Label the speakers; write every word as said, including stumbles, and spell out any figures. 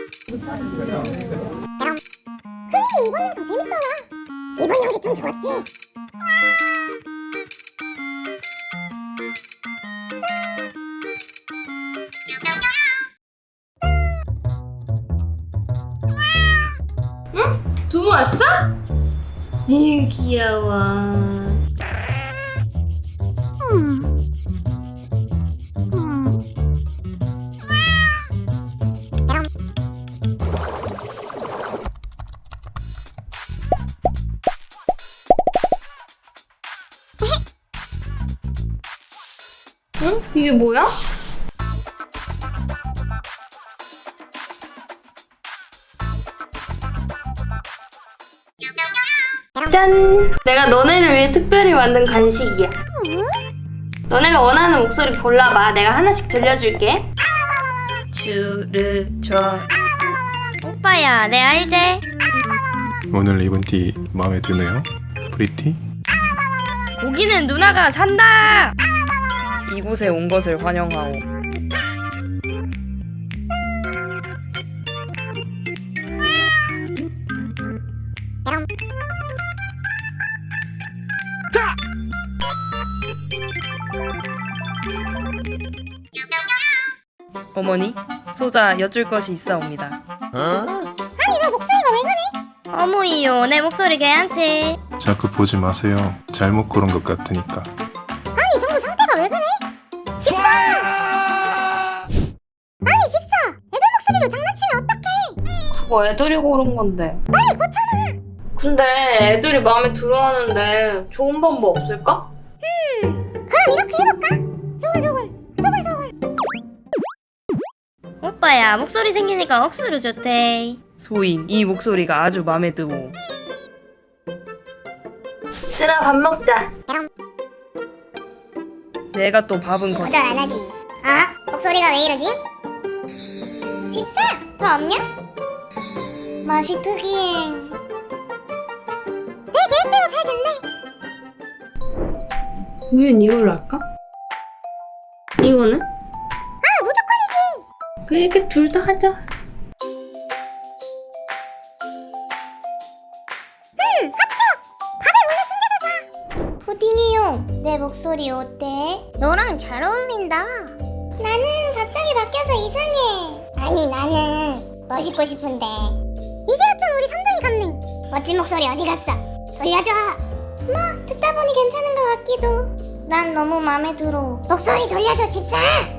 Speaker 1: 그래도 이번 영상 재밌더라. 이번 연기 좀 좋았지?
Speaker 2: 응? 두부 왔어? 에휴 귀여워.
Speaker 1: 음. 음.
Speaker 2: 응? 이게 뭐야? 짠! 내가 너네를 위해 특별히 만든 간식이야. 너네가 원하는 목소리 골라봐. 내가 하나씩 들려줄게. 주르저. 오빠야, 내 알지?
Speaker 3: 오늘 입은 티 마음에 드네요? 프리티?
Speaker 2: 고기는 누나가 산다!
Speaker 4: 이곳에 온 것을 환영하오. 어머니, 소자 여쭐 것이 있사옵니다.
Speaker 1: 아니 너 목소리가 왜 그래?
Speaker 2: 어머이요, 내 목소리 괜찮지?
Speaker 3: 자꾸 보지 마세요. 잘못 고른 것 같으니까.
Speaker 1: 아니 정말 상태가 왜 그래? 집사! 아니 집사! 애들 목소리로 장난치면 어떡해?
Speaker 2: 그거 애들이 고른 건데.
Speaker 1: 빨리 고쳐놔!
Speaker 2: 근데 애들이 마음에 들어하는데 좋은 방법 없을까?
Speaker 1: 그럼 이렇게 해볼까? 소글소글 소글소글.
Speaker 2: 오빠야, 목소리 생기니까 억수로 좋대.
Speaker 4: 소인, 이 목소리가 아주 맘에 드오.
Speaker 2: 쓰라, 밥 먹자.
Speaker 4: 내가 또 밥은 거.
Speaker 1: 거절 안 하지. 아? 목소리가 왜 이러지? 집사! 더 없냐? 맛이 특이해. 내 계획대로 잘 됐네.
Speaker 2: 우린 이걸로 할까? 이거는?
Speaker 1: 아 무조건이지.
Speaker 2: 그러니까 둘 다 하자.
Speaker 1: 응 합격! 밥에 몰래 숨겨두자. 푸딩이요. 내 목소리 어때? 너랑 잘 어울린다. 나는 갑자기 바뀌어서 이상해. 아니 나는 멋있고 싶은데. 이제야 좀 우리 삼둥이 같네. 멋진 목소리 어디 갔어? 돌려줘. 뭐 듣다 보니 괜찮은 것 같기도. 난 너무 마음에 들어. 목소리 돌려줘 집사.